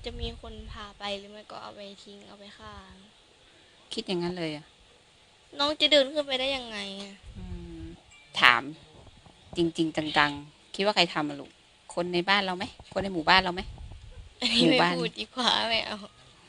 จะมีคนพาไปหรือไม่ก็เอาไปทิ้งเอาไปฆ่าคิดอย่างนั้นเลยอ่ะน้องจะเดินขึ้นไปได้ยังไงอืมถามจริงๆจังๆคิดว่าใครทำอะลูกคนในบ้านเราไหมคนในหมู่บ้านเราไหมอันหนี้ไม่มู่บ้านพูดดีกว่าไม่เอา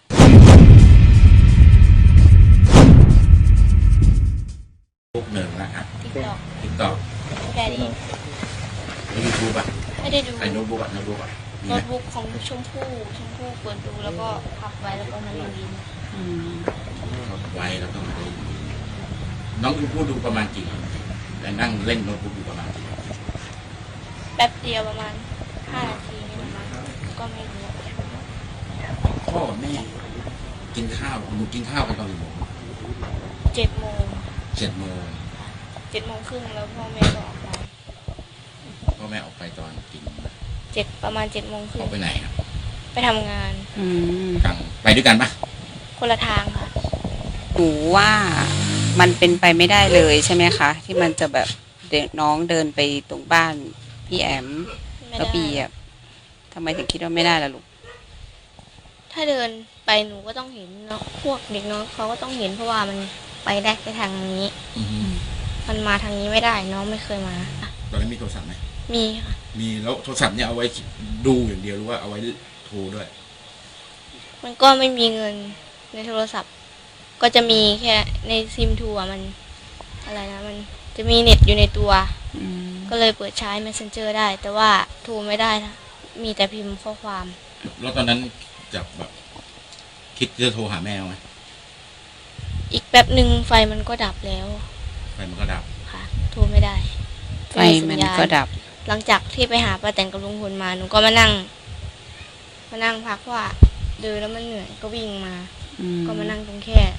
พวกหนึ่งนะฮะติ๊กตอกติ๊กต็อกแค่นี้แล้วยูทูบอ่ะไม่ได้ดูไอ้โน้ตบุ๊กอ่ะโน้ตบุ๊กอ่ะมีโน้ไหมตบุ๊กของชมพู่เปิดดูแล้วก็พับไว้แล้วก็มาเรียนอืมไว้แล้วก็มาดูน้องยูทูบดูประมาณกี่แต่นั่งเล่นโน้ตบุ๊กอยู่ประมาณกี่แป๊บเดียวประมาณ5 นาทีนี่ประมาณก็ไม่รู้พ่อแม่กินข้าวหนูกินข้าวกันตอนกี่โมง 7 โมง 7 โมง 7 โมงครึ่งแล้วพ่อแม่ก็ออกไปพ่อแม่ออกไปตอนกี่โมงประมาณ7 โมงครึ่องอกไปไหนครับไปทำงานอืมกลางไปด้วยกันปะคนละทางค่ะหนูว่ามันเป็นไปไม่ได้เลยใช่ไหมคะที่มันจะแบบเด็กน้องเดินไปตรงบ้านพี่แอมไม่แล้วได้ปีอ่ะทำไมถึงคิดว่าไม่ได้ล่ะลูกถ้าเดินไปหนูก็ต้องเห็นเนาะพวกเด็กน้องเขาก็ต้องเห็นเพราะว่ามันไปได้แค่ทางนี้อือฮึมันมาทางนี้ไม่ได้น้องไม่เคยมาตอนนี้มีโทรศัพท์ไหมมีค่ะมีแล้วโทรศัพท์เนี่ยเอาไว้ดูอย่างเดียวหรือว่าเอาไว้โทรด้วยมันก็ไม่มีเงินในโทรศัพท์ก็จะมีแค่ในซิมทัวมันอะไรนะมันจะมีเน็ตอยู่ในตัวอืมก็เลยเปิดใช้ Messenger ได้แต่ว่าโทรไม่ได้นะมีแต่พิมพ์ข้อความแล้วตอนนั้นจะแบบคิดจะโทรหาแม่ไหมอีกแป๊บหนึ่งไฟมันก็ดับแล้วไฟมันก็ดับค่ะโทรไม่ได้ไฟมันก็ดับหลังจากที่ไปหาป้าแตนกับลุงพลมาหนูก็มานั่งพักว่าเดินแล้วมันเหนื่อยก็วิ่งมาก็มานั่งตรงแค่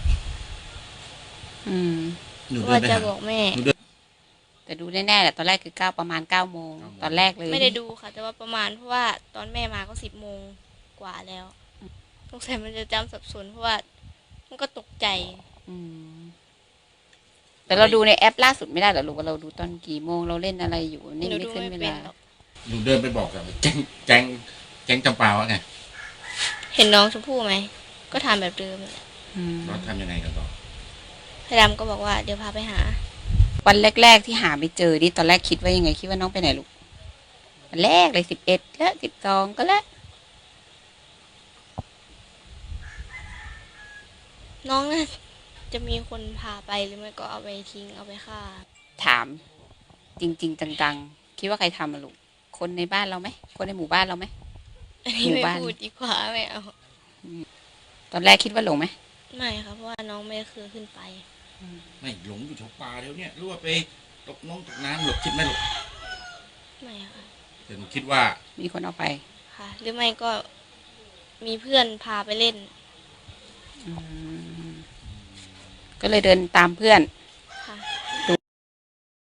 ว่าจะบอกแม่แต่ดูแน่ๆแหละตอนแรกคือประมาณ9 โมงตอนแรกเลยไม่ได้ดูค่ะแต่ว่าประมาณเพราะว่าตอนแม่มาก็10 โมงกว่าแล้วสงสัยมันจะจำสับสนเพราะว่ามันก็ตกใจแต่เราดูในแอปล่าสุดไม่ได้เหรอลูกว่าเราดูตอนกี่โมงเราเล่นอะไรอยู่นี่ไม่ขึ้นเวลาหนูเดินไปบอกกับแจ้งจำปาวะไงเห็นน้องชมพู่ไหมก็ทำแบบเดิมเราทำยังไงกันต่อพยดำก็บอกว่าเดี๋ยวพาไปหาวันแรกๆที่หาไม่เจอนี่ตอนแรกคิดว่ายังไงคิดว่าน้องไปไหนลูกวันแรกเลย11แล้ว12ก็แล้วน้องน่าจะมีคนพาไปหรือไม่ก็เอาไปทิ้งเอาไปฆ่าถามจริงๆจังๆคิดว่าใครทำอะลูกคนในบ้านเราไหมคนในหมู่บ้านเราไหมอันนี้ไม่พูดดีกว่าไม่เอาตอนแรกคิดว่าหลงไหมไม่ค่ะเพราะว่าน้องไม่เคยขึ้นไปไม่หลงอยู่แถวป่าเดี๋ยวนี้หรือว่าไปตกน้ำหลบคิดไหมหลบไม่ค่ะแต่หนูคิดว่ามีคนเอาไปค่ะหรือไม่ก็มีเพื่อนพาไปเล่นก็เลยเดินตามเพื่อน